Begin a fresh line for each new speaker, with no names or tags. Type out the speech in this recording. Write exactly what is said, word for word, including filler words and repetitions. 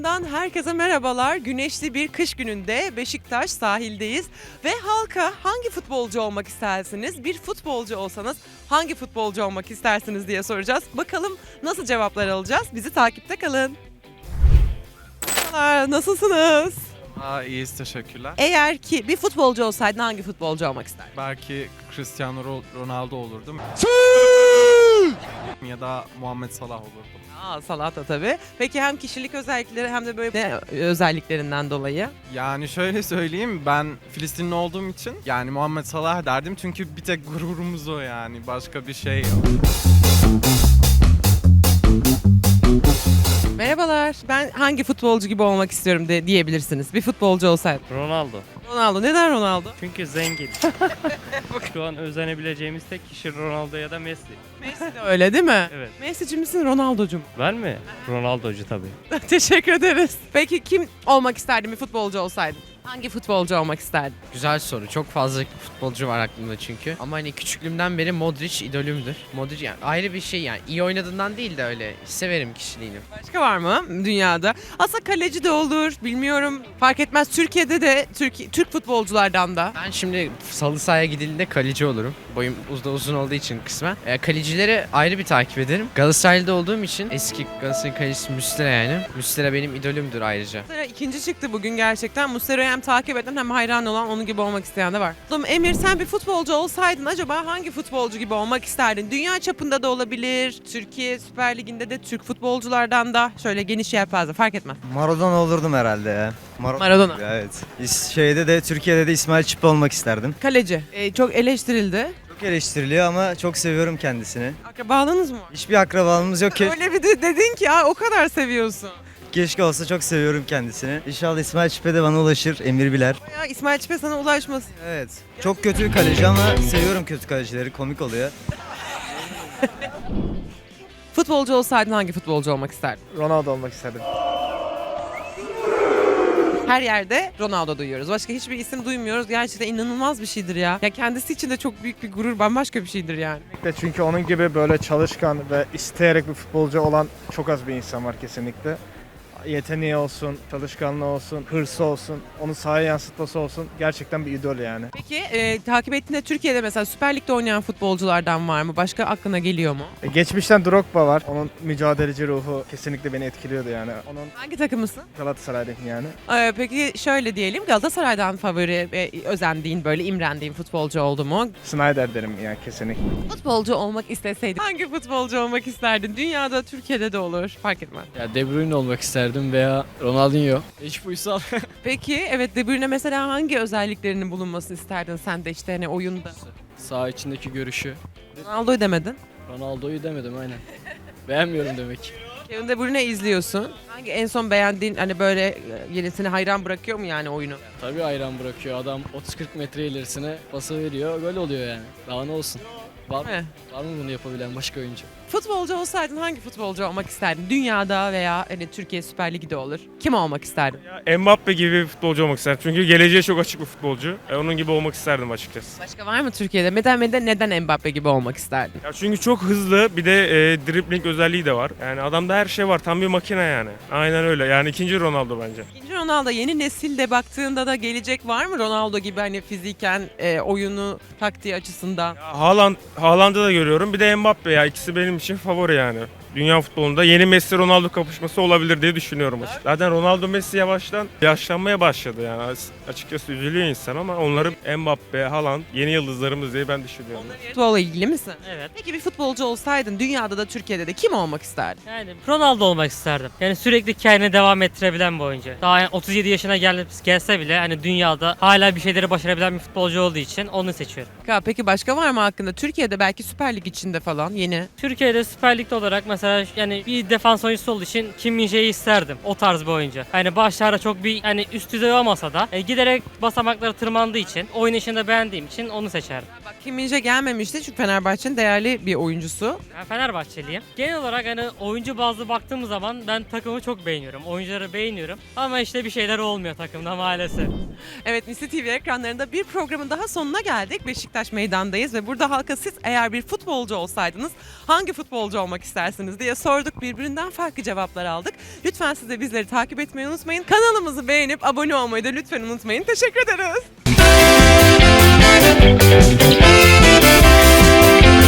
Ekrandan herkese merhabalar. Güneşli bir kış gününde Beşiktaş sahildeyiz. Ve halka hangi futbolcu olmak istersiniz? Bir futbolcu olsanız hangi futbolcu olmak istersiniz diye soracağız. Bakalım nasıl cevaplar alacağız? Bizi takipte kalın. Merhabalar, nasılsınız?
Aa, iyiyiz, teşekkürler.
Eğer ki bir futbolcu olsaydın hangi futbolcu olmak isterdin?
Belki Cristiano Ro- Ronaldo olurdum. Ya da Muhammed Salah olurdum.
Aa, Salah da tabii. Peki hem kişilik özellikleri hem de böyle ne özelliklerinden dolayı?
Yani şöyle söyleyeyim, ben Filistinli olduğum için yani Muhammed Salah derdim çünkü bir tek gururumuz o, yani başka bir şey yok.
Merhabalar. Ben hangi futbolcu gibi olmak istiyorum de diyebilirsiniz. Bir futbolcu olsaydı.
Ronaldo.
Ronaldo. Neden Ronaldo?
Çünkü zengin. Şu an özenebileceğimiz tek kişi Ronaldo ya da Messi.
Messi de öyle değil mi?
Evet.
Messi'ci misin, Ronaldo'cu mu?
Ben mi? Ronaldo'cu tabii.
Teşekkür ederiz. Peki kim olmak isterdin bir futbolcu olsaydın? Hangi futbolcu olmak isterdin?
Güzel soru. Çok fazla futbolcu var aklımda çünkü. Ama hani küçüklüğümden beri Modric idolümdür. Modric yani ayrı bir şey yani. İyi oynadığından değil de öyle severim kişiliğini.
Başka var mı dünyada? Aslında kaleci de olur, bilmiyorum. Fark etmez. Türkiye'de de Türk, Türk futbolculardan da.
Ben şimdi salı sahaya gidildiğinde kaleci olurum. Boyum uzun uzun olduğu için kısmen. E, kalecileri ayrı bir takip ederim. Galatasaraylı'da olduğum için eski Galatasaray kalecisi Muslera yani. Muslera benim idolümdür ayrıca.
Muslera ikinci çıktı bugün gerçekten. Muslera'yı hem takip eden hem hayran olan, onun gibi olmak isteyen de var. Oğlum Emir, sen bir futbolcu olsaydın acaba hangi futbolcu gibi olmak isterdin? Dünya çapında da olabilir. Türkiye Süper Ligi'nde de Türk futbolculardan da şöyle geniş yelpaze, fark etmez.
Maradona olurdum herhalde ya. Mar-
Maradona.
Evet. İs- Şeyde de Türkiye'de de İsmail Çipe olmak isterdim.
Kaleci. Ee, çok eleştirildi.
Çok eleştiriliyor ama çok seviyorum kendisini.
Akrabalığınız mı var?
Hiçbir akrabalığımız yok. Ke-
Öyle bir de dedin ki ha, o kadar seviyorsun.
Keşke olsa, çok seviyorum kendisini. İnşallah İsmail Çipe de bana ulaşır. Emir biler.
Ya İsmail Çipe sana ulaşmasın.
Evet. Çok kötü bir kaleci ama seviyorum kötü kalecileri. Komik oluyor.
Futbolcu olsaydın hangi futbolcu olmak isterdin?
Ronaldo olmak isterdim.
Her yerde Ronaldo duyuyoruz. Başka hiçbir isim duymuyoruz. Gerçekten inanılmaz bir şeydir ya. Ya kendisi için de çok büyük bir gurur, bambaşka bir şeydir yani.
Çünkü onun gibi böyle çalışkan ve isteyerek bir futbolcu olan çok az bir insan var kesinlikle. Yeteneği olsun, çalışkanlığı olsun, hırsı olsun, onu sahaya yansıtması olsun, gerçekten bir idol yani.
Peki e, takip ettiğinde Türkiye'de mesela Süper Lig'de oynayan futbolculardan var mı? Başka aklına geliyor mu?
E, Geçmişten Drogba var. Onun mücadeleci ruhu kesinlikle beni etkiliyordu yani. Onun
Hangi takımısın?
Galatasaray'daki yani.
Ee, peki şöyle diyelim, Galatasaray'dan favori ve özendiğin, böyle imrendiğin futbolcu oldu mu?
Snyder derim yani kesinlikle.
Futbolcu olmak isteseydin hangi futbolcu olmak isterdin? Dünyada, Türkiye'de de olur, fark etmez.
Ya De Bruyne olmak isterdim veya Ronaldinho. Hiç uysal.
Peki evet, De Bruyne mesela hangi özelliklerinin bulunmasını isterdin sen de işte hani oyunda?
Sağ içindeki görüşü.
Ronaldo'yu demedin.
Ronaldo'yu demedim aynen. Beğenmiyorum demek.
Kevin De Bruyne izliyorsun. Hangi en son beğendiğin, hani böyle e, yenisini hayran bırakıyor mu yani oyunu?
Tabii ayran bırakıyor adam otuz kırk metre ilerisine pası veriyor. Gol oluyor yani. Daha ne olsun. Var,
Değil mi?
var mı bunu yapabilen başka oyuncu?
Futbolcu olsaydın hangi futbolcu olmak isterdin? Dünyada veya hani Türkiye Süper Ligi'de olur. Kim olmak isterdin?
Ya Mbappe gibi bir futbolcu olmak isterdim. Çünkü geleceğe çok açık bir futbolcu. E, onun gibi olmak isterdim açıkçası.
Başka var mı Türkiye'de? Neden, neden, neden Mbappe gibi olmak isterdin?
Ya çünkü çok hızlı, bir de e, dribbling özelliği de var. Yani adamda her şey var. Tam bir makine yani. Aynen öyle. Yani ikinci Ronaldo bence.
İkinci Ronaldo, yeni nesilde baktığında da gelecek var mı Ronaldo gibi, hani fiziken, e, oyunu, taktiği açısından?
Ya Haaland, Haaland'ı da görüyorum. Bir de Mbappe ya. İkisi benim için favori yani. Dünya futbolunda yeni Messi Ronaldo kapışması olabilir diye düşünüyorum açıkçası. Zaten Ronaldo Messi yavaştan yaşlanmaya başladı yani. Açıkçası üzülüyor insan ama onları Mbappe, Haaland yeni yıldızlarımız diye ben düşünüyorum.
Futbolla ilgili misin?
Evet.
Peki bir futbolcu olsaydın dünyada da Türkiye'de de kim olmak isterdin?
Yani Ronaldo olmak isterdim. Yani sürekli kendini devam ettirebilen bir oyuncu. Daha yani otuz yedi yaşına gel gelse bile hani dünyada hala bir şeyleri başarabilen bir futbolcu olduğu için onu seçiyorum.
Ya peki başka var mı hakkında? Türkiye'de belki Süper Lig içinde falan yeni.
Türkiye'de Süper Lig'de olarak mesela yani bir defans oyuncusu olduğu için Kim Min-jae'yi isterdim. O tarz bir oyuncu. Hani başlarda çok bir hani üst düzey olmasa da e, giderek basamakları tırmandığı için, oynayışını da beğendiğim için onu seçerdim.
Bak Kim Min-jae gelmemişti çünkü Fenerbahçe'nin değerli bir oyuncusu.
Ben Fenerbahçeliyim. Genel olarak hani oyuncu bazlı baktığımız zaman ben takımı çok beğeniyorum. Oyuncuları beğeniyorum. Ama işte bir şeyler olmuyor takımda maalesef.
Evet, Misli T V ekranlarında bir programın daha sonuna geldik. Beşiktaş meydandayız ve burada halka siz eğer bir futbolcu olsaydınız hangi futbolcu olmak istersiniz istersiniz diye sorduk. Birbirinden farklı cevaplar aldık. Lütfen siz de bizleri takip etmeyi unutmayın. Kanalımızı beğenip abone olmayı da lütfen unutmayın. Teşekkür ederiz.